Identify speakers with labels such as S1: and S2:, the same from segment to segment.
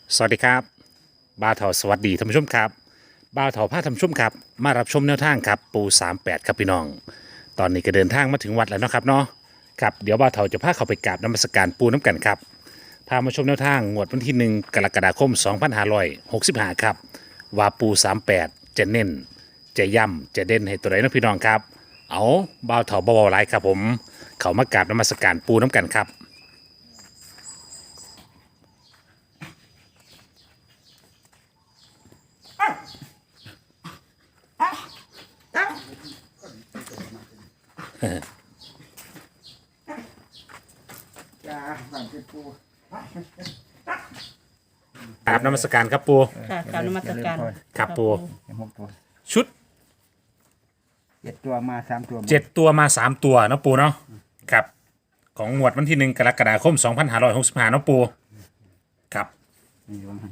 S1: สวัสดีครับบ้าวเถาสวัสดีท่านผู้ชมครับบ้าวเถาพาท่านผู้ชมครับมารับชมแนวทางครับปู38ครับพี่น้องตอนนี้ก็เดินทางมาถึงวัดแล้วเนาะครับเนาะครับเดี๋ยวบ้าวเถาจะพาเขาไปกราบนมัสการปูน้ำกันครับพามาชมแนวทางงวดวันที่1กรกฎาคม2565ครับว่าปู38จะเน้นจะย่ำจะเด่นให้ตัวไหนนะพี่น้องครับเอาบ้าวเถาเบาๆไรครับผมเขามากราบนมัสการปูน้ำกันครับ
S2: จ้าบ้านเป็นปู
S1: กราบนมัสการครับปู
S3: ค่ะกรารนมัสการ
S1: ครับปู
S2: เห็นหกตัว
S1: ชุด
S2: 7 ตัวมา3 ตัว
S1: 7 ตัวมา 3 ตัวเนาะปูเนาะครับของงวดวันที่1กรกฎาคม2565เนาะปูครับ
S2: นี่อยู่มัน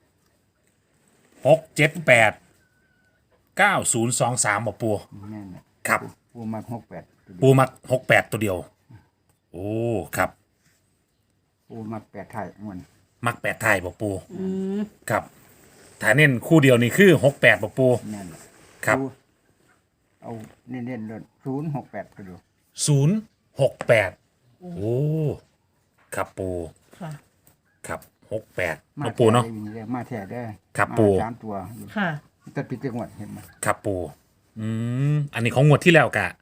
S1: 6 7 8 9 0 2 3บ่ปู
S2: แน่นแหละ
S1: ครับ
S2: ปูมา68
S1: ปูมัก68 ตัวเดียวโอ้ครับ
S2: ปูมา8ไทยมัน
S1: มัก8ไทยบ่ปูครับถ้าเน้นคู่เดียวนี่คือ68บ่ปู
S2: แน่นแหละ
S1: ครับ
S2: ปูเอาเน้นๆเลย068ก็ดู
S1: 068โอ้ครับปู
S3: ค่ะ
S1: ครับ68เนาะปูเนาะ
S2: มาแท้ได้อ
S1: ครับปู
S2: มา3 ตัว
S3: ค่ะ
S2: แต่ปิดจังหวัดเห็นไหม
S1: ครับปูอันนี้ของงวดที่แล้วกะ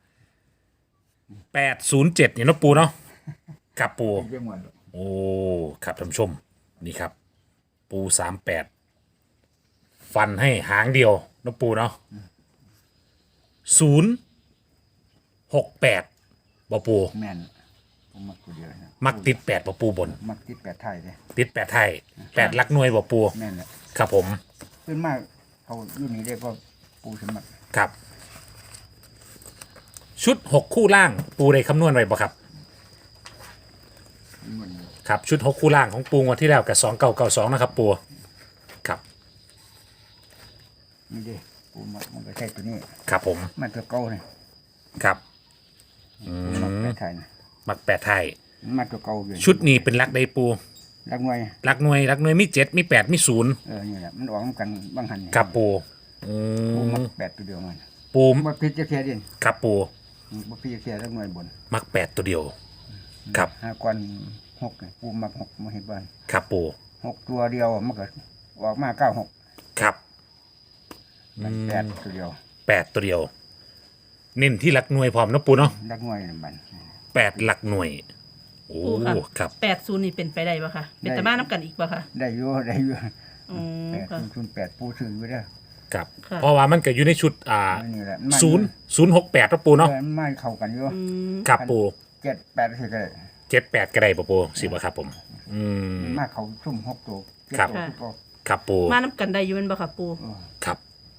S1: 807เนี่ยเนาะปูเนาะครับปู
S2: ปิดจังหวัด
S1: โอ้ครับท่านผู้ชมนี่ครับ ปู38ฟันให้หางเดียวเนาะปูเนาะ068บ่ปู
S2: แม่นปูมักตัวเดียวนะ
S1: มักติด8บ่ปูบน
S2: มักติด8ไทยเลย
S1: ติด8ไทย8หลักหน่วยบ่ปู
S2: แม่นแหละ
S1: ครับผม
S2: ขึ้นมากเขาอยู่นี่ได้ก็ปูสมัคร
S1: ครับ ชุด6คู่ล่างปูได้คำนวณไว้บ่ครับ
S2: มัน
S1: ครับชุด6คู่ล่างของปูงวันที่แล้วกับ2992นะครับปูครับ
S2: นี่เด้ปูมันก็ใช่ตัวนี้
S1: ครับผม
S2: มันตัวเก่าเลย
S1: ครับ
S2: ปูมัก8ไทยนะ
S1: มัก8ไทย
S2: มันตัวเก่าอยู่
S1: ชุดนี้เป็นลักใดปู
S2: รักหน่วย
S1: ลักหน่วยมี7มี8มี0
S2: นี่แหละมันออกนำกันบางหันนี่
S1: ครับปูอื
S2: ปู
S1: ม
S2: มัก8ตัวเดียวมัน
S1: ปู
S2: บ่พิจจะแค่ดิน
S1: ครับปู
S2: บ่พิจจะแค่รักหน่วยบน
S1: มัก8ตัวเดียวครับ
S2: 5ก้อน6นี่ปูมัก6มาเฮ็ดบ้าน
S1: ครับปู
S2: 6ตัวเดียวมันก็ออกมา96
S1: ครับ
S2: มัน8ตัวเดียว
S1: 8ตัวเดียวเน้นที่ลักหน่วยพร้อมเนาะปูเนาะ
S2: รักหน่วยนั่นมัน
S1: 8หลักหน่วยโอ้
S3: ปูค่ะ
S1: ครับ
S3: 80นี่เป็นไปได้ปะคะเป็นตะบ้านน้ำกันอีกปะคะ
S2: ได้อยู่
S3: อืมค่ะ
S2: 8ปูซื้อไว้เด้อ
S1: ครับ
S3: ค่ะ
S1: เพราะว่ามันก็อยู่ในชุด
S2: นี่แหละ
S1: 068เนาะปูเนาะ
S2: มันเข้ากันอยู่
S1: ครับปู
S2: 7 8สิก็ได้
S1: 78ก็ได้ป่ะปูสิบ่ครับผมม
S2: มาเข้าซุ่ม6ตัว
S1: ครับ
S2: 7ตัวก็
S1: ครับปู
S3: มาน้ำกันได้อยู่เป็นปะคะปู
S1: ครับ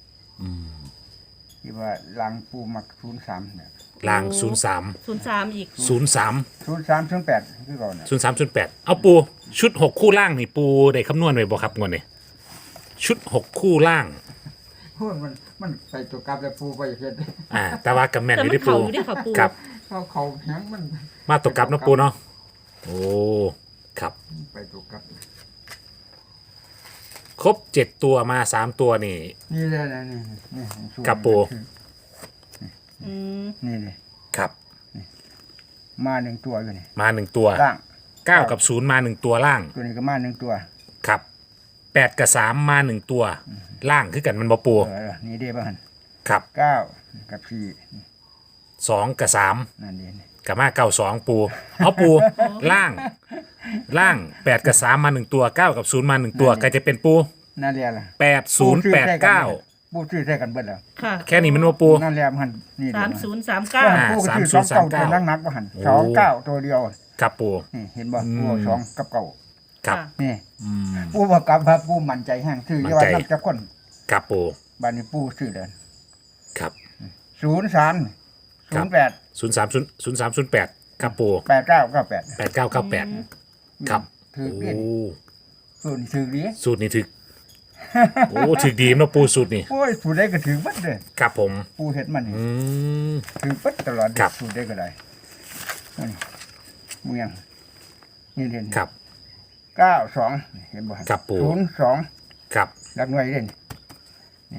S2: ที่ว่าล้างปูมัก03เนี่ย
S1: ลาง
S3: 03อีก
S1: 03
S2: 03 08คือก่อนน่ะ
S1: 03 เอาปูชุด 6 คู่ล่างนี่ปูได้คำนวณไว้บ่ครับงวดนี้ชุด 6 คู่ล่าง
S2: โอ้ยมันใส่ตัวกลับแล้วปูไปเฮ็ด
S1: แต่ว่ากับแม่น
S3: แต่
S1: อยู่
S3: มัน
S1: ที่ปู
S3: เข่าอยู่เนี่ยค่ะปู
S1: ครับ
S2: เขาแข็งมัน
S1: มาตกกลับเนาะปูเนาะโอ้ครับ
S2: ไปตัวกลับ
S1: ครบ 7 ตัวมา 3 ตัวนี่
S2: นี่เลยนะนี่สู้
S1: ครับปู
S3: อืม
S2: นี่เลย
S1: ครับ
S2: มา1ตัวอยู่นี่
S1: มา 1 ตัว
S2: ล่าง
S1: 9 กับ 0 มา 1 ตัวล่าง
S2: ตัวนี้ก็มา1ตัว
S1: ครับ8 กับ 3 มา 1 ตัว ล่างคือกันมันบ่ปู
S2: นี่เด้บ้าน
S1: ครับ
S2: 9กับ4
S1: 2 กับ 3
S2: นั่นเอง
S1: กับมา92 ปูเอาปู ล่าง 8 กับ 3 มา 1 ตัว 9 กับ 0 มา 1 ตัว ก็จะเป็นปู
S2: นั่นแหละล่ะ
S1: 8089
S2: ปูซื้อใส่กันเบิดแล้ว
S3: ค่ะ
S1: แค่นี้มันว่าปู
S2: นั่นแหละมันนี่
S3: 3039
S2: ปูก็ซื้อ2เก้าตัวนักๆบ่หัน29ตัวเดียว
S1: ครับปู
S2: นี่เห็นบ่ปู2กับ9
S1: ครับ
S2: นี่ปูบ่กลับครับปูมั่นใจแห้งซื้ออย่าว่านับจักคน
S1: ครับปู
S2: บัดนี้ปูซื้อเด้อ
S1: ครับ
S2: 03 08
S1: 0308ครับปู
S2: 8998
S1: 8998ครับ
S2: ถือ
S1: โอ้
S2: เรียนสูตรถือดี
S1: สูตรนี้ถึก โอ้ถึกดีเนาะปูสูตรนี้
S2: โอ้ยสูตรได้ก็ถือบัดเลย
S1: ครับผม
S2: ปูเฮ็ดมันนี่
S1: อืม
S2: ถือบัดตลอด
S1: ครับ
S2: สูตรได้ก็ได้นี่เมืองนี่เรียน
S1: ครับ
S2: 92เห็นบ่
S1: ครับปู่
S2: 02
S1: ครับ
S2: หลักหน่วยเด่นนี่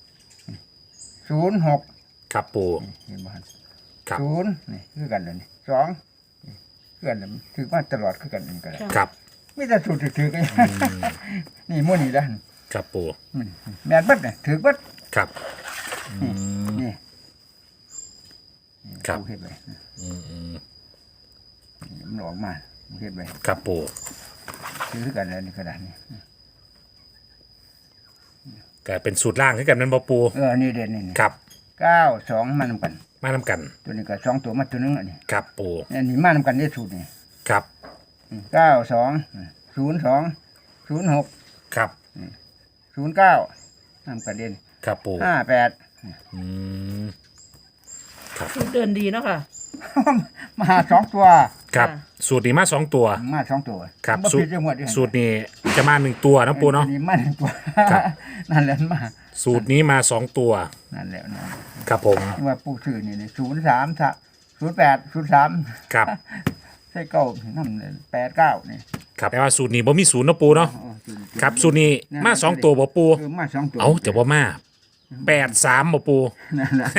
S2: 06
S1: ครับปู
S2: เห็นบ่
S1: ครับ
S2: 0นี่คือกันเลยนี่2นี่คือกันเลยถือมาตลอดคือกันนี่ก็ได้
S1: ครับ
S2: มีแต่สูตรถือๆกันนี่มื้อนี้ล่ะ
S1: ครับปู
S2: แม่นเบิดน่ะถือเบิด
S1: ครับอืม
S2: นี่
S1: ครับ
S2: ปูเฮ็ดไว้
S1: อืม
S2: มันออกมาเฮ็ดไว้
S1: ครับปู
S2: ถือกันแล้วนี่กระดาษนี่
S1: ก็เป็นสูตรล่างที่กันนั้นบ่ปู
S2: นี่เด่นนี่
S1: ครับ
S2: 92มานำกัน
S1: มานำกัน
S2: ตัวนี้ก็2ตัวมาตัวหนึงอันนี้
S1: ครับปู
S2: อันนี้มานำกันได้สูตรนี่
S1: ครับ
S2: 92 02 06
S1: ครับ
S2: 09นำกันเด่น
S1: ครับปู
S2: 58
S1: อืม
S3: สูตรเดินดีเนาะค่ะ
S2: มา2ตัว
S1: ครับ
S3: ค่ะ
S1: สูตรนี้มา2ตัว
S2: มา2ตัว
S1: ครับ
S2: บ่
S1: สู
S2: ผิ
S1: ต
S2: ด
S1: ร
S2: จังหวัดเด้อ
S1: สูตรนี้จะมา1ตัวนะปูเนาะ
S2: อัมา1ตัว
S1: ครับ
S2: นั่นแหละมา
S1: สูตรนี้มา2ตัว
S2: นั่นแหละนั่น
S1: ครับผม
S2: ว่าปู่ชื่อนี่03 08 03
S1: ครับ
S2: ใช่เก้านั่นเลย89นี่
S1: ครับแต่ว่าสูตรนี้บ่มีศูนย์นะปูเนาะ
S2: อ๋อสูต
S1: ครับสูตรนี้มา2ตัวบ่ปู
S2: มา2ตัว
S1: เอาจะบ่มา83บ่ปู
S2: นั่นแหละ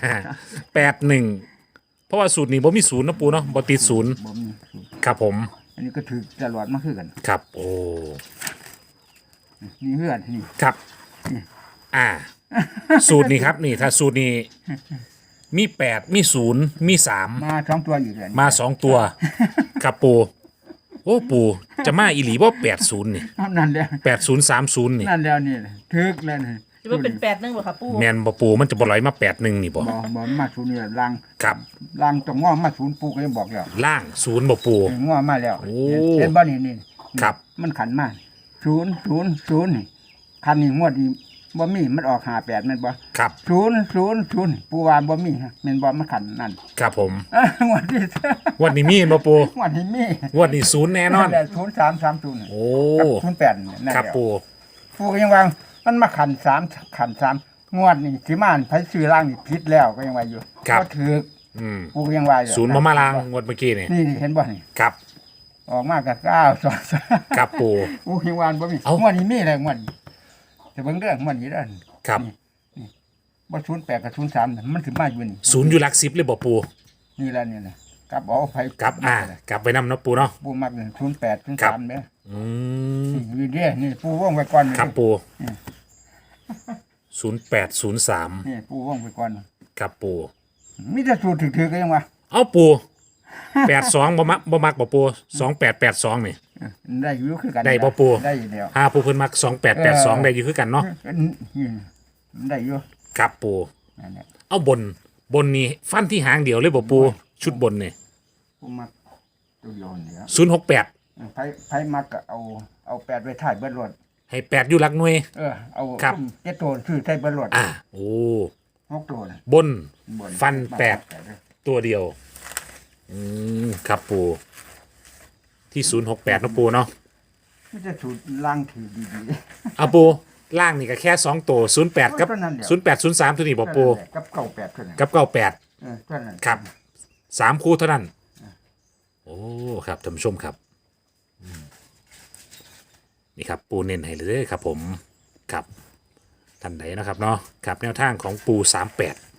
S1: 81เพราะว่าสูตรนี้บ่มีศูนย์นะปูเนาะบ่ติดศูนย์
S2: บ่มีสูตร
S1: ครับผม
S2: อันนี้ก็ถือตลอดมาคือกัน
S1: ครับโอ้
S2: นี่เฮือนนี่
S1: ครับอ่า สูตรนี้ครับนี่ถ้าสูตรนี้มี8มี0มี3
S2: มา2ตัวอยู่เลย
S1: มา2ตัวครับปูโอ้ปูจะมาอีหลีบ่80นี่
S2: นั่นแล้ว
S1: 8030นี่
S2: นั่นแล้วนี่ถึกแล้วนี่
S3: หรือว่าเป็น8นึงบ่ค่ะปู
S1: แม่นบ่ปูมันจะบ่ไหลมา81นี่บ่
S2: บ่มาศูนย์นี่ลัง
S1: ครับ
S2: ลังต้องง้อมาศูนย์ปูก็ยังบอกแล้ว
S1: ล่าง0บ่ปู
S2: ง้อมาแล้ว
S1: โอ้
S2: เห็นบ่นี่นี่
S1: ครับ
S2: มันขันมา000นี่คันนี้งวดนี้บ่มีมันออก58แม่นบ่
S1: ครับ
S2: 000ปูว่าบ่มีฮะแม่นบ่มันขันนั่น
S1: ครับผม
S2: งวดนี้
S1: วันนี้มีบ่ปู
S2: งวดนี้มี
S1: งวดนี้0แน่นอน
S2: แหละ0330
S1: โอ้
S2: กับ08นั่น
S1: ครับ
S2: แหละ
S1: ปู
S2: ปูก็ยังวางมันมาขัน3งวดนี่สิมาไผซื้อล่างนี่ผิดแล้วก็ยังว่าอยู่ก็ถือ
S1: อืม
S2: ปูก็ยังว่าอยู่
S1: ศูนย์บ่มาลางงวดเมื่อกี้นี่
S2: นี่เห็นบ่นี่
S1: ครับ
S2: ออกมากับ9
S1: ครับปู
S2: ปูก็ยังวานบ่มี
S1: เอ้า
S2: งวดนี้มีแล้วงวดนี้แต่เบิ่งเรื่องงวดนี้เด้อ
S1: ครับ
S2: บ่08กับ03น่ะมันสิมาอยู่นี่
S1: ศูนย์อยู่หลัก10เลยบ่ปู
S2: นี่แหละนี่นะกลับเอาไผ
S1: กลับกลับไปนำเนาะปูเนาะ
S2: ปูมักนี่08
S1: ครับ
S2: 03เด้อ
S1: อืม
S2: นี่เด้อนี่ปูวงไว้ก่อนนี่
S1: ครับปู0803
S2: นี่ปูวงไว้ก่อน
S1: ครับปู
S2: มีแต่สูตรถือๆก็ยังว่า
S1: เอาปู82บ่มักบ่ปู2882นี่
S2: ได้อยู่คือกัน
S1: ได้บ่ปู่
S2: ได้อยู่แล้ว
S1: หาผู้เพิ่นมัก2882ได้อยู่คือกันเนาะ
S2: ได้อยู่
S1: ครับปู
S2: นั่นแหละ
S1: เอาบนนี่ฟันที่หางเดียวเลยบ่ปูชุดบนนี่
S2: ปูมักตัวเดียวนี่ครับ
S1: 068
S2: ไผมักก็เอา8ไว้ท้ายเบิดรถ
S1: ให้8อยู่หลักหน่วย
S2: เอา
S1: ครับ
S2: เจ็ดตัวชื่อท้ายเบิดรถ
S1: โอ้
S2: 6ตัวน่ะ
S1: บน
S2: บน
S1: ฟัน
S2: มา
S1: 8ตัวเดียวครับปูที่068เนาะปูเนาะ
S2: ไม่จะสูตรล่างถือดี
S1: เอาปูล่างนี่ก็แค่2ตัว08กับ
S2: เท่านั้นเดียว
S1: 0803ตัวนี้
S2: ๆ
S1: บ่ปู
S2: กับ98เท่านั้น
S1: กับ98
S2: เท่านั้น
S1: ครับ3คู่เท่านั้นโอ้ครับท่านผู้ชมครับนี่ครับปูเน้นให้เลยครับผมครับท่านใดนะครับเนาะครับแนวทางของปู38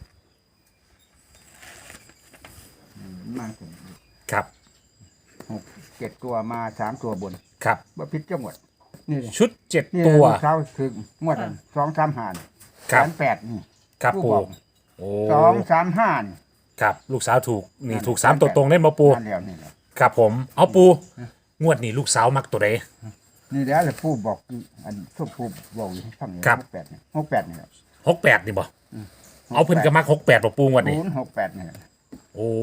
S2: มาถึง
S1: ครับ
S2: 6 7ตัวมา3ตัวบน
S1: ครับ
S2: บ่ผิดจังหมดนี่เลย
S1: ชุด
S2: นี่
S1: 7 ตัว
S2: เช้าถึงงวด2-3หาร
S1: ครับ
S2: 8นี่
S1: ครับ
S2: ผู้
S1: ปู
S2: บอก
S1: โอ้
S2: 2-3-5นี่
S1: ครับลูกสาวถูกนี่ถูก3ตัวตรงเล่นมาปู
S2: นั่นแล้วนี่แหละ
S1: ครับผมเอาปูงวดนี้ลูกสาวมักตัวใด
S2: นี่แหล้วแหละผู้บอกอันทุกผู้บอกอยู่ฟังนี่
S1: ครับ
S2: 68นี่68นี่แหละ
S1: 68นี่บ่เอาเพิ่นก็มัก68บ่ปูงวดนี้
S2: 068นี่แหละ
S1: โอ้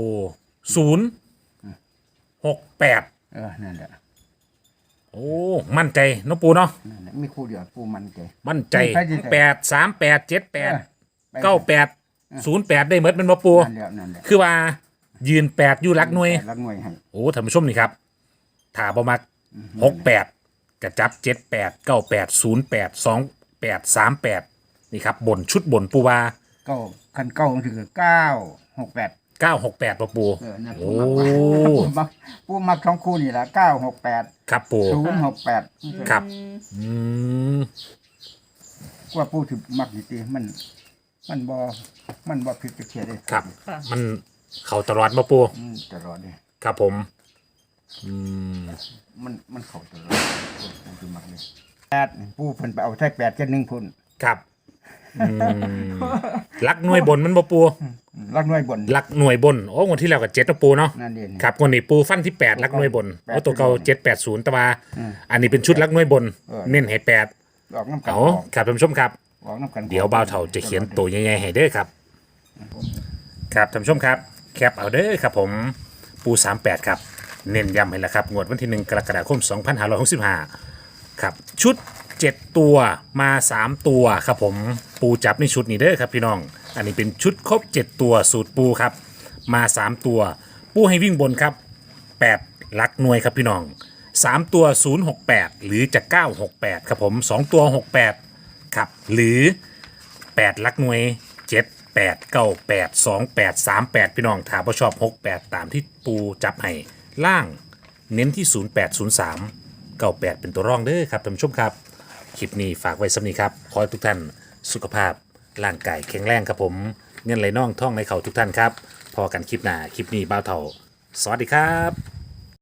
S1: 068
S2: นั่นแหละ
S1: โอ้มั่นใจเนาะปูเนาะ
S2: นั่นแหละมีคู่เดียวผู้มันใจ
S1: มั่นใจ
S2: ไปดิ
S1: 83878 98 08ได้หมดแมันบ่ปู
S2: นั่นแหละ
S1: คือว่ายืน8อยู่หลักหน่วย
S2: รักหน่วยให้
S1: โอ้ท่านผู้ชมนี่ครับถ้าบ่มัก68กระจับ78 98 08 28 38นี่ครับบนชุดบนปูว่า
S2: เก้าคันเก้ามันคือ968
S1: 968บ่ปู
S2: นั่น
S1: โอ้
S2: ผู้มัก2คู่นี่ล่ะ968
S1: ครับปู
S2: 068
S1: ครับอืม
S2: กว่าปูถึงมักดีตีมันบ่ผิดจะเขียนเลย
S1: ครับ
S3: ค่ะ
S1: มันเขาตลอดมาปู
S2: ตลอดเลย
S1: ครับผมอืม
S2: มันเข้าตลอดปูถึงมักเลย8ปูเพิ่นไปเอาใช้8กับ1พุ่น
S1: ครับอืมลักหน่วยบนมันบ่ปู
S2: รักน้อยบน
S1: ลักหน่วยบนโอ้งวดที่แล้วกับ7นะปูเนาะ
S2: นั่นเอง
S1: ครับงวดนี้ปูฟันที่8ลักหน่วยบน
S2: แปด
S1: โอ้ตัวเก่า780แต่ว่า
S2: อืม
S1: อันนี้เป็นชุดลักหน่วยบน เน้นให้8
S2: ออกน้ำกัน
S1: เอาครับท่านผู้ชมครับ
S2: ออกน้ำกัน
S1: เดี๋ยวบ่าวเฒ่าจะเขียนตัวใหญ่ๆให้เด้อครับ ครับท่านผู้ชมครับ แคปเอาเด้อครับผมปู38ครับ เน้นย้ำให้ละครับงวดวันที่ 1 กรกฎาคม 2565 ครับชุด 7 ตัวมา 3 ตัวครับผมปูจับในชุดนี้เด้อครับพี่น้อง อันนี้เป็นชุดครบ 7 ตัวสูตรปูครับ มา 3 ตัว ปูให้วิ่งบนครับ 8 หลักหน่วยครับพี่น้อง 3 ตัว 068 หรือจะ 968 ครับผม 2 ตัว 68 ครับ หรือ 8 หลักหน่วย 7 8 9 8 2 8 3 8 พี่น้องถ้าบ่ชอบ 68 ตามที่ปูจับให้ล่างเน้นที่ 0803 98 เป็นตัวร่องเด้อครับท่านผู้ชมครับ คลิปนี้ฝากไว้สำนี้ครับ ขอให้ทุกท่านสุขภาพร่างกายแข็งแรงครับผม เงินไหลน่องท่องในเข่าทุกท่านครับ พอกันคลิปหน้า คลิปนี้บ่าวเฒ่า สวัสดีครับ